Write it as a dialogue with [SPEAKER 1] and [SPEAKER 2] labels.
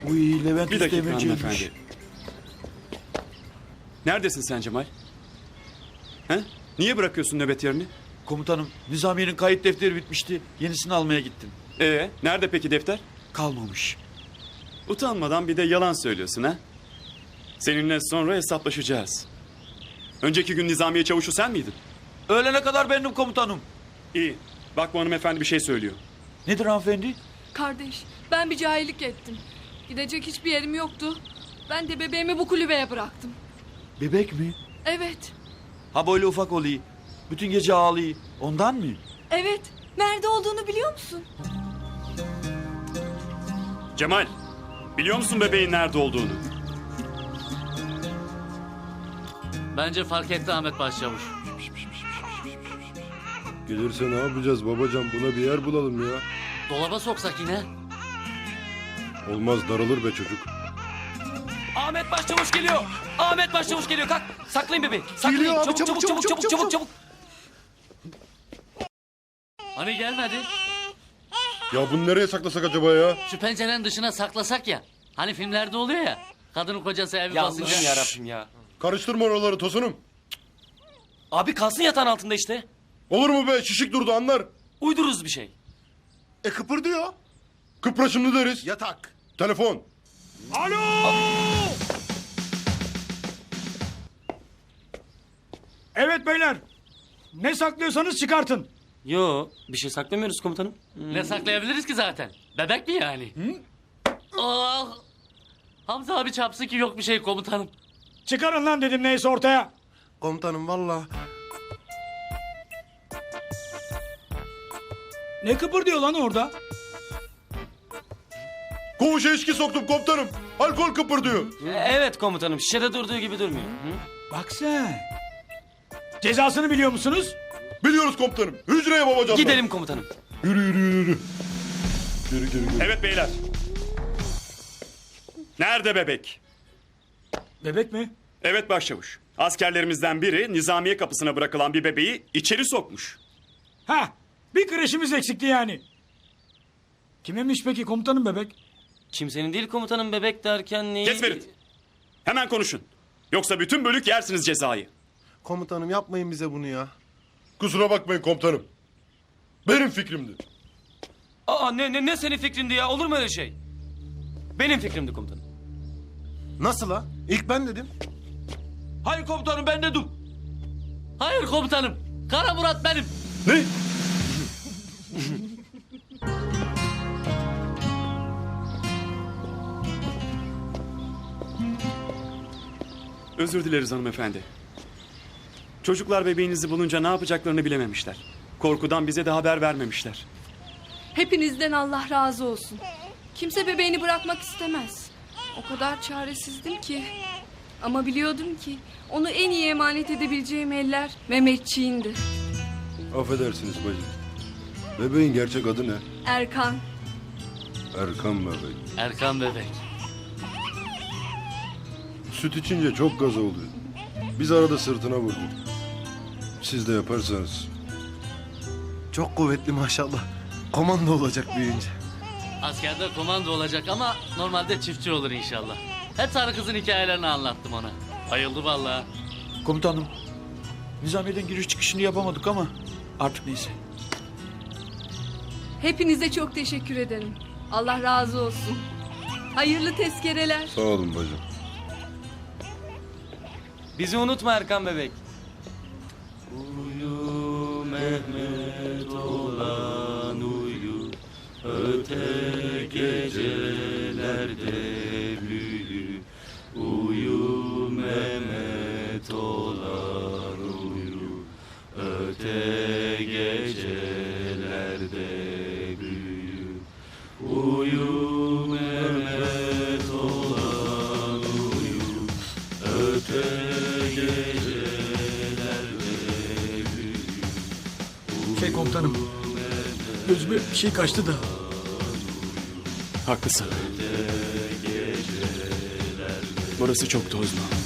[SPEAKER 1] Uy Levent
[SPEAKER 2] Bir dakika
[SPEAKER 1] Üsteğmenci'ymiş.
[SPEAKER 2] hanımefendi. Neredesin sen Cemal? He? Niye bırakıyorsun nöbet yerini?
[SPEAKER 1] Komutanım Nizamiye'nin kayıt defteri bitmişti. Yenisini almaya gittim.
[SPEAKER 2] Nerede peki defter?
[SPEAKER 1] Kalmamış.
[SPEAKER 2] Utanmadan bir de yalan söylüyorsun ha? Seninle sonra hesaplaşacağız. Önceki gün Nizamiye çavuşu sen miydin?
[SPEAKER 1] Öğlene kadar benim komutanım.
[SPEAKER 2] İyi. Bak bu hanımefendi bir şey söylüyor.
[SPEAKER 1] Nedir hanımefendi?
[SPEAKER 3] Kardeş, ben bir cahillik ettim. Gidecek hiçbir yerim yoktu. Ben de bebeğimi bu kulübeye bıraktım.
[SPEAKER 1] Bebek mi?
[SPEAKER 3] Evet,
[SPEAKER 1] Ha böyle ufak oluyor. Bütün gece ağlıyor. Ondan mı?
[SPEAKER 3] evet. Nerede olduğunu biliyor musun?
[SPEAKER 2] Cemal, biliyor musun bebeğin nerede olduğunu?
[SPEAKER 4] Bence fark etti Ahmet Başçavuş.
[SPEAKER 5] Gelirse ne yapacağız babacan? Buna bir yer bulalım ya.
[SPEAKER 4] Dolaba soksak yine.
[SPEAKER 5] Olmaz, daralır be çocuk.
[SPEAKER 6] Ahmet Başçavuş geliyor. Ahmet Başçavuş geliyor. Kalk. Saklayın bebeği. Saklayın.
[SPEAKER 5] Geliyor abi,
[SPEAKER 6] Çabuk.
[SPEAKER 4] Hani gelmedi?
[SPEAKER 5] Ya bunu nereye saklasak acaba ya?
[SPEAKER 4] Şu pencerenin dışına saklasak ya. Hani filmlerde oluyor ya. Kadının kocası evi
[SPEAKER 6] Ya
[SPEAKER 4] basınca.
[SPEAKER 6] Allah'ım yarabbim ya.
[SPEAKER 5] Karıştırma oraları Tosunum.
[SPEAKER 6] Abi kalsın yatağın altında işte.
[SPEAKER 5] Olur mu be? Şişik durdu anlar.
[SPEAKER 6] Uydururuz bir şey.
[SPEAKER 5] Kıpırdıyor. Kıpra şimdi deriz. Yatak. Telefon.
[SPEAKER 7] Evet beyler. Ne saklıyorsanız çıkartın.
[SPEAKER 6] Yo, bir şey saklamıyoruz komutanım.
[SPEAKER 4] Ne saklayabiliriz ki zaten? Bebek mi yani? Oh! Hamza abi çarpsın ki yok bir şey komutanım.
[SPEAKER 7] Çıkarın lan dedim neyse ortaya.
[SPEAKER 5] Komutanım valla.
[SPEAKER 7] Ne kıpırdıyor lan orada?
[SPEAKER 5] Koğuşa içki soktum komutanım. Alkol kıpırdıyor.
[SPEAKER 6] Evet komutanım. Şişede durduğu gibi durmuyor.
[SPEAKER 7] Bak sen. Cezasını biliyor musunuz?
[SPEAKER 5] Biliyoruz komutanım. Hücreye babacan.
[SPEAKER 6] Gidelim komutanım.
[SPEAKER 5] Yürü. Geri.
[SPEAKER 2] Evet beyler. Nerede bebek?
[SPEAKER 7] Bebek mi?
[SPEAKER 2] Evet başçavuş. Askerlerimizden biri Nizamiye kapısına bırakılan bir bebeği içeri sokmuş.
[SPEAKER 7] Ha, bir kreşimiz eksikti yani. Kimemiş peki komutanım bebek?
[SPEAKER 6] Kimsenin değil komutanım, bebek derken neyi?
[SPEAKER 2] Kes Ferit. Hemen konuşun. Yoksa bütün bölük yersiniz cezayı.
[SPEAKER 8] Komutanım yapmayın bize bunu ya.
[SPEAKER 5] Kusura bakmayın komutanım. Benim fikrimdi.
[SPEAKER 6] Aa ne senin fikrindi ya? Olur mu öyle şey? Benim fikrimdi komutanım.
[SPEAKER 8] Nasıl ha? İlk ben dedim.
[SPEAKER 1] Hayır komutanım ben dedim.
[SPEAKER 4] Hayır komutanım. Kara Murat benim.
[SPEAKER 5] Ne?
[SPEAKER 2] Özür dileriz hanımefendi. Çocuklar bebeğinizi bulunca ne yapacaklarını bilememişler. Korkudan bize de haber vermemişler.
[SPEAKER 3] Hepinizden Allah razı olsun. Kimse bebeğini bırakmak istemez. O kadar çaresizdim ki. Ama biliyordum ki onu en iyi emanet edebileceğim eller Mehmetçiğindi.
[SPEAKER 5] Affedersiniz bacım. Bebeğin gerçek adı ne?
[SPEAKER 3] Erkan.
[SPEAKER 5] Erkan bebek.
[SPEAKER 4] Erkan bebek.
[SPEAKER 5] Süt içince çok gaz oluyor. Biz arada sırtına vurduk. Siz de yaparsanız.
[SPEAKER 8] Çok kuvvetli maşallah. Komando olacak büyüyünce.
[SPEAKER 4] Askerde komando olacak ama normalde çiftçi olur inşallah. Hep sarı kızın hikayelerini anlattım ona. Bayıldı vallahi.
[SPEAKER 1] Komutanım. Nizamiye'den giriş çıkışını yapamadık ama artık neyse.
[SPEAKER 3] Hepinize çok teşekkür ederim. Allah razı olsun. Hayırlı tezkereler.
[SPEAKER 5] Sağ olun bacım.
[SPEAKER 6] Bizi unutma Erkan bebek.
[SPEAKER 7] Komutanım. Gözüme bir şey kaçtı da.
[SPEAKER 2] Haklısın. Burası çok tozlu.